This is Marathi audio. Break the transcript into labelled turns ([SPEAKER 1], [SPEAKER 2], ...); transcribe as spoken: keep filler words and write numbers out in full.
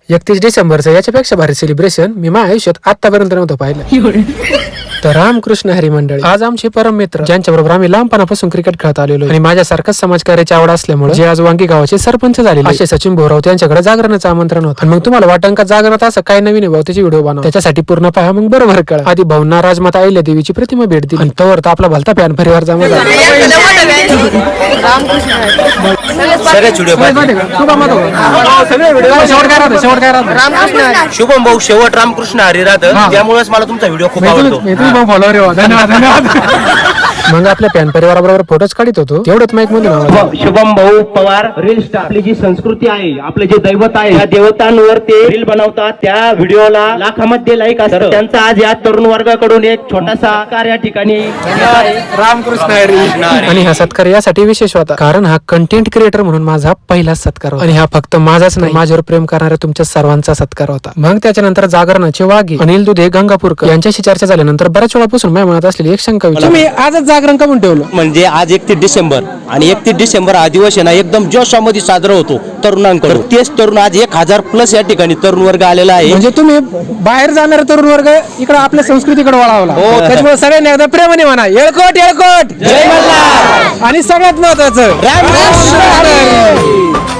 [SPEAKER 1] एकतीस डिसेंबरचं याच्यापेक्षा भारी सेलिब्रेशन मी माझ्या आयुष्यात आतापर्यंत नव्हतं पाहिलं. तर रामकृष्ण हरी मंडळी आज आमचे परम मित्र, ज्यांच्याबरोबर आम्ही लहानपणापासून क्रिकेट खेळत आलेलो आणि माझ्यासारखंच समाजकार्याची आवड असल्यामुळे जे आज वांगी गावाचे सरपंच झाले असे सचिन भोराव यांच्याकडे जागरणाचं आमंत्रण होतं. आणि मग तुम्हाला वाटण का जागरणात असं काय नवीन आहे भाऊ, त्याची व्हिडिओ बनवा, त्याच्यासाठी पूर्ण पहा, मग बरोबर कळा. आधी भाऊंना राजमाता अहिल्या देवीची प्रतिमा भेट दिली आणि तोवर तर आपला भलता फॅन परिवार जमा झाला.
[SPEAKER 2] शुभम भाऊ शेवट रामकृष्ण हरी राहतं, त्यामुळेच मला तुमचा व्हिडिओ खूप आवडतो.
[SPEAKER 1] मग आपल्या फॅन परिवाराबरोबर फोटोच काढत होतो, तेवढंच माईक मधून आवाज.
[SPEAKER 2] शुभम भाऊ पवार रील स्टार, आपली जी संस्कृती आहे, आपले जे दैवत आहे, त्या देवतांवर ते रील बनवतात. त्या व्हिडिओला लाखामध्ये लाईक असतात. त्यांचा आज या तरुण वर्गाकडून एक छोटासा कार्य या ठिकाणी
[SPEAKER 1] रामकृष्ण हरी. आणि हा सत्कार यासाठी विशेष होता कारण हा कंटेंट क्रिएटर म्हणून माझा पहिलाच सत्कार होता. आणि हा फक्त माझाच नाही, माझ्यावर प्रेम करणाऱ्या तुमच्या सर्वांचा सत्कार होता. मग त्याच्यानंतर जागरणाचे वाघे अनिल दुधे गंगापूरकर यांच्याशी चर्चा झाल्यानंतर बऱ्याच वेळापासून माझ्या मनात असलेली एक शंका विचारली, तुम्ही आजच जागरण का म्हणून ठेवलं?
[SPEAKER 3] म्हणजे आज एकतीस डिसेंबर आणि एकतीस डिसेंबर हा दिवस आहे ना एकदम जोशामध्ये साजरा होतो तरुणांकडून. तेच तरुण आज एक हजार प्लस या ठिकाणी तरुण वर्ग आलेला आहे.
[SPEAKER 1] म्हणजे तुम्ही बाहेर जाणारे तरुण वर्ग इकडे आपल्या संस्कृतीकडे वळावला. त्याच्यामुळे सगळ्यांनी एकदा प्रेमाने म्हणा येळकोट येळकोट जय मल्हार. आणि सगळ्यात महत्वाचं रामकृष्ण हरी.